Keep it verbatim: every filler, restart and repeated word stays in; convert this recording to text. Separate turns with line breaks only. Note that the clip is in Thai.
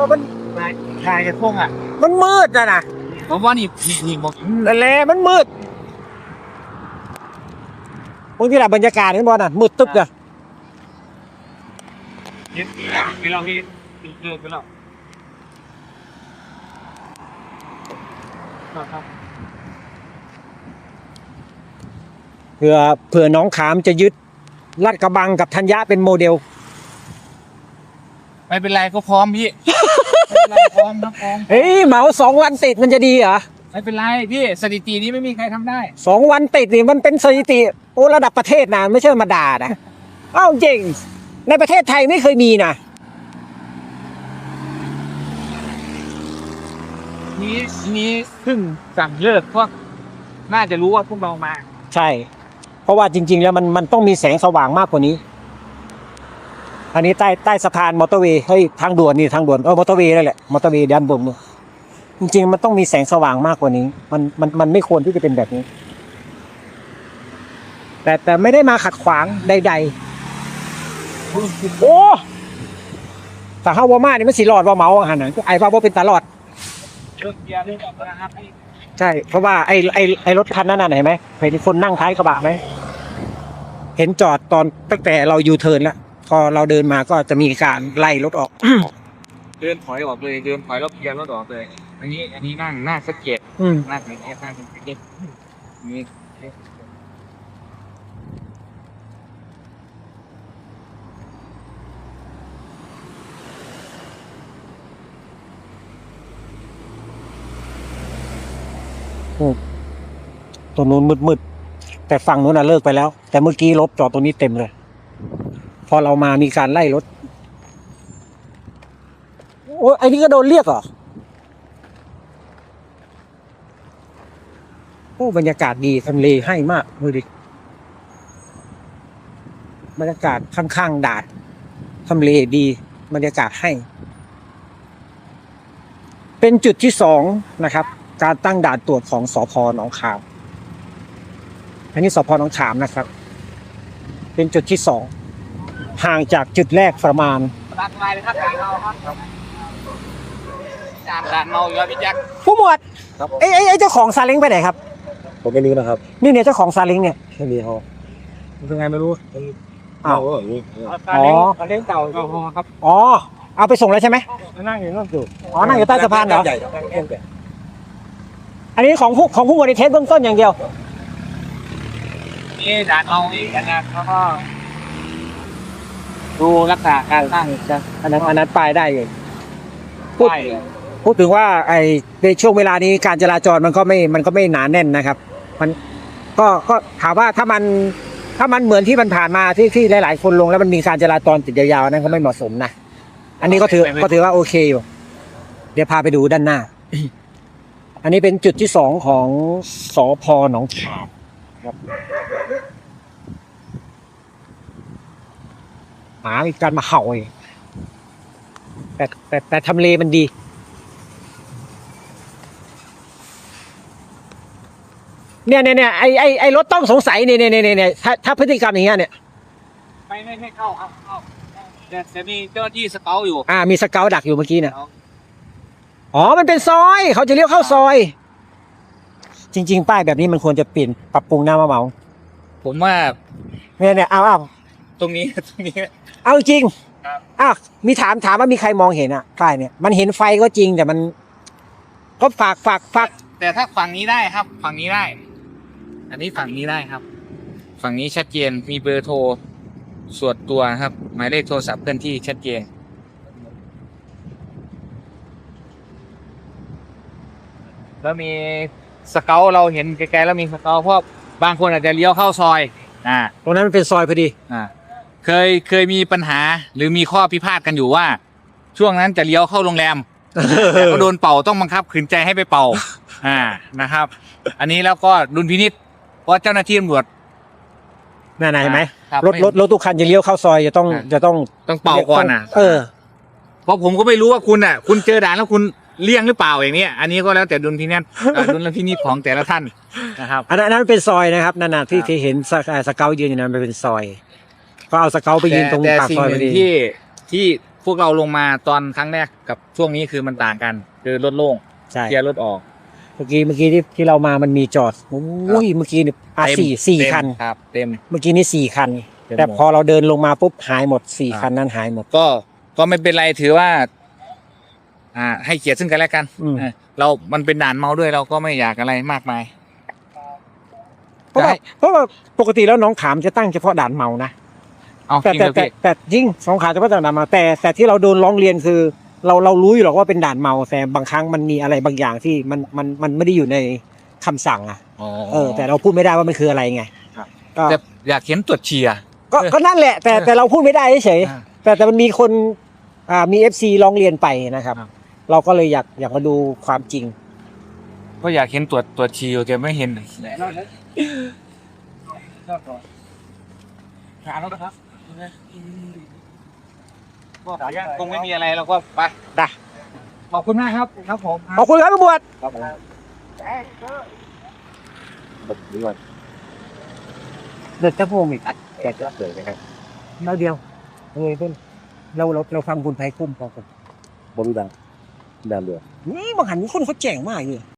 มัน
ชายจะพงอ่ะ
มันมืดนะนะ
ผมว่านี่นี่บอก
นั่นแหละมันมืดบางทีแบบบรรยากาศนี่บอลน่ะมืดตึ๊บเลย
ไปลองที่เจอไปแล้วครับ
เผื่อเผื่อน้องขามจะยึดลาดกระบังกับธัญญะเป็นโมเดล
ไม่เป็นไรก็พร้อมพี่ไม่เป็นไรพร้อมนะพร้อม
เฮ้ยเหมาสองวันติดมันจะดีเหรอ
ไม่เป็นไรพี่สถิตินี้ไม่มีใครทำได้
สองวันติดนี่มันเป็นสถิติโอ้ระดับประเทศนะไม่ใช่มาด่านะเอ้าจริงในประเทศไทยไม่เคยมีนะ
นี้นี้เพิ่งสั่งเลิกพวกน่าจะรู้ว่าพวกเรามา
ใช่เพราะว่าจริงๆแล้วมันมันต้องมีแสงสว่างมากกว่านี้อันนี้ใต้ใต้สะพานมอเตอร์เวย์เฮ้ยทางด่วนนี่ทางด่วนเออมอเตอร์เวย์นั่นแหละมอเตอร์เวย์ด้านบนเนี่ยจริงๆมันต้องมีแสงสว่างมากกว่านี้มันมันมันไม่ควรที่จะเป็นแบบนี้แต่แต่ไม่ได้มาขัดขวางใดๆโอ้แต่ข้าววามานี่มันสีหลอดว่าเมาอาหารไหนไอ้ว่าว่าเป็นตลอด
เชิญเบียร์ด้วยกันนะครับ
ใช่เพราะว่าไอ้ไอ้ไอ้รถคันนั้นน่ะเห็นไหมเห็นคนนั่งท้ายกระบะไหมเห็นจอดตอนตั้งแต่เรายูเทิร์นแล้วพอเราเดินมาก็จะมีการไล่รถออก
เดินถอยออกเลยเดินถอยรถเกียร์รถออกเลยอันนี้อันนี้นั่งหน้าสเก็ตหน้าสเก็ตหน้าสเก็ตนี่
ตัวนู้นมืดๆแต่ฝั่งนู้นน่ะเลิกไปแล้วแต่เมื่อกี้รถจอดตรงนี้เต็มเลยพอเรามามีการไล่รถโอ้ไอ้นี่ก็โดนเรียกเหรอโอ้บรรยากาศดีทำเลให้มากดูดิบรรยากาศข้างๆด่านทำเลดีบรรยากาศให้เป็นจุดที่สองนะครับการตั้งด่านตรวจของสภ.หนองขามอันนี้สภ.หนองขามนะครับเป็นจุดที่สองห่างจากจุดแรกประมาณ
ด่านไม้เลยครับด่านเมาครับด่านด่านเมาอยู่แล้วพี่แจ็ค
ผู้หมวดไอ้ไอ้เจ้าของซาเล้งไปไหนครับ
ผมไม่รู้นะครับ
นี่เนี่ยเจ้าของซาเล้งเนี่ย
ไม่มีเขา
เป็นไงไม่รู้
อ้าว
อ๋อซาเล้งเก่าก็พอครับ
อ๋อเอาไปส่งแล้วใช่ไหม
นั่งอยู่นั่งอยู่
อ๋อนั่งอยู่ใต้สะพานเหรออันนี้ของผู้ของผู้บริเทสเบื้องต้นอย่างเดียว
นี่ด่านเมานี่กันนะเขาก็ดูรักษาการตั้งจะ
อันนั้นอันนั้นไปได้เลยพูดพูดถึงว่าไอ้ในช่วงเวลานี้การจราจรมันก็ไม่มันก็ไม่หนาแน่นนะครับมันก็ก็ถามว่าถ้ามันถ้ามันเหมือนที่มันผ่านมาที่ที่หลายๆคนลงแล้วมันมีการจราจรติดยาวๆนั้นก็ไม่เหมาะสมนะอันนี้ก็ถือก็ถือว่าโอเคอยู่เดี๋ยวพาไปดูด้านหน้าอันนี้เป็นจุดที่สองของสภ.หนองขามครับหมามีการมาเห่าเองแต่แต่แต่ทำเลมันดีเนี่ยเนี่ยเนี่ยไอไอไอรถต้องสงสัยเนี่ยเนี่ยเนี่ยเนี่ยถ้าถ้าพฤติกรรมอย่างเงี้ยเนี่ย
ไม่ไม่ไม่เข้าครับเข้าแต่จะมีเจ้าหน้าที่สเกลอยู่
อ่ามีสเกลดักอยู่เมื่อกี้เนี่ยอ๋อมันเป็นซอยเขาจะเลี้ยวเข้าซอยจริงๆป้ายแบบนี้มันควรจะเปลี่ยนปรับปรุงหน้ามะเหมา
ผมว่า
เนี่ยเนี่ยเอาเอา
ตรงนี้ตรงนี้
เอาจริงอ้าวมีถามถามว่ามีใครมองเห็นอ่ะป้ายเนี่ยมันเห็นไฟก็จริงแต่มันก็ฝากฝากฝาก
แต่ถ้าฝั่งนี้ได้ครับฝั่งนี้ได้อันนี้ฝั่งนี้ได้ครับฝั่งนี้ชัดเจนมีเบอร์โทรส่วนตัวครับหมายเลขโทรศัพท์เคลื่อนที่ชัดเจนแล้วมีสเกลเราเห็นไกลๆแล้วมีสเกลเพราะบางคนอาจจะเลี้ยวเข้าซอยอ่า
ตรงนั้นมันเป็นซอยพอดี
อ่าเคยเคยมีปัญหาหรือมีข้อพิพาทกันอยู่ว่าช่วงนั้นจะเลี้ยวเข้าโรงแรมแต่ก็โดนเป่าต้องบังคับขืนใจให้ไปเป่าอ่านะครับอันนี้แล้วก็ดุลพินิจเพราะเจ้าหน้าที่ตำรวจ
นั่นไหนเห็นไหมรถรถรถทุกคันจะเลี้ยวเข้าซอยจะต้องจะต้อง
ต้องเป่าก่อนอ่ะ
เออ
เพราะผมก็ไม่รู้ว่าคุณอ่ะคุณเจอด่านแล้วคุณเลี่ยงหรือเปล่าอย่างนี้อันนี้ก็แล้วแต่ดุลพินิจดุลพินิจของแต่ละท่านนะครับ
อันนั้นเป็นซอยนะครับนั่นน่ะที่ที่เห็นสเกลยืนอยู่นั้นเป็นซอยก็เอาสเกลไปยืนตรงปากซอยพอดี
ที่ที่พวกเราลงมาตอนครั้งแรกกับช่วงนี้คือมันต่างกันคือรถโล่ง
ใช่
เคลียร์รถออก
เมื่อกี้เมื่อกี้ที่ที่เรามามันมีจอดโอ้ยเมื่อกี้เนี่ยอ่ะ
เต็ม
สี่สี่
เต็ม
คัน
ครับ เต็ม
เมื่อกี้นี่สี่คัน
เต็ม
แต่
หมด
พอเราเดินลงมาปุ๊บหายหมดสี่
ครับ
คันนั้นหายหมด
ก็ก็ไม่เป็นไรถือว่า อ่า ให้เกียรติซึ่งกันและกัน
อืม
เออเรามันเป็นด่านเมาด้วยเราก็ไม่อยากอะไรมากมาย
เพราะว่า
ได้
เพราะว่าปกติแล้วน้องขามจะตั้งเฉพาะด่านเมานะ
เอา
แต่
จริง
แต่
เลย
แต่
พี่
แต่ยิ่งสองขาเฉพาะด่านเมาแต่แต่ที่เราโดนร้องเรียนคือ เราเรารู้อยู่หรอกว่าเป็นด่านเมาแต่บางครั้งมันมีอะไรบางอย่างที่มันมันมันไม่ได้อยู่ในคำสั่งอ่ะ
อ๋อ
เออ แต่เราพูดไม่ได้ว่ามันคืออะไรไง
ครับ
ก็
แต่อยากเห็นตรวจเชียร์
ก็ก็นั่นแหละ แต่แต่เราพูดไม่ได้เฉย
อ่า
แต่แต่มันมีคนอ่ามีเอฟซีร้องเรียนไปนะครับ
ครับ
เราก็เลยอยากอยากมาดูความจริง
ก็อยากเห็นตรวจตรวจเชียร์แกไม่เห็นหาแล้วนะครับก็คงไม่มีอะไรเราก็ไป
ได้
ขอบคุณมากครับ ครับผม
ขอบคุณครับตำรวจ
ครับผมแบบนี้ก่อน
เด็ดจะพงอีก
แกจะเกิดไหมครับ
เราเดียวเฮ้ยเพื่อนเราเราเราฟังคุณไพคุ้มพอกัน
บริดังดังเรือ
นี่บางหันมีคนเขาแจ้งมากเลย